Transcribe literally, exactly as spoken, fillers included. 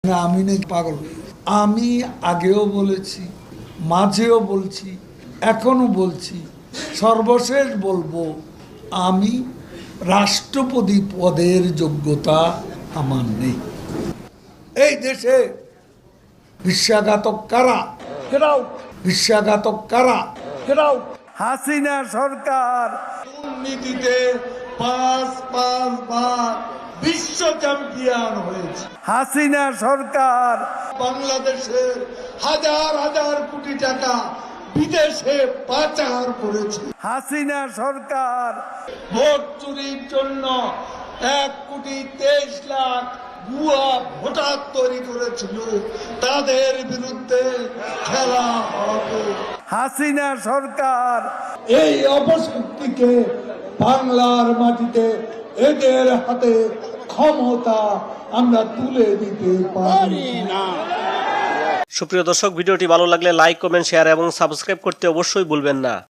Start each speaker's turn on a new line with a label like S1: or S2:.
S1: না আমি নাকি পাগল। আমি আগেও বলেছি, মাঝেও বলছি, এখনো বলছি, সর্বশেষ বলবো, আমি রাষ্ট্রপতি পদের যোগ্যতা আমার নেই। এই দেশে বিশ্বাসঘাতক কারা? ফেরাও বিশ্বাসঘাতক কারা? ফেরাও হাসিনা সরকার দুর্নীতিতে পাঁচ পাঁচ বার বিশ্ব চ্যাম্পিয়ন হয়েছে। হাসিনা সরকার বাংলাদেশের হাজার হাজার কোটি টাকা বিদেশে পাচার করেছে। হাসিনা সরকার ভোট চুরির জন্য এক কোটি তেইশ লাখ ভুয়া ভোটার তৈরি করেছিল, তাদের বিরুদ্ধে খেলা হবে। হাসিনা সরকার এই অপশক্তিকে বাংলার মাটিতে এদের হাতে ক্ষমতা আমরা তুলে দিতে পারি না।
S2: সুপ্রিয় দর্শক, ভিডিওটি ভালো লাগলে লাইক, কমেন্ট, শেয়ার এবং সাবস্ক্রাইব করতে অবশ্যই ভুলবেন না।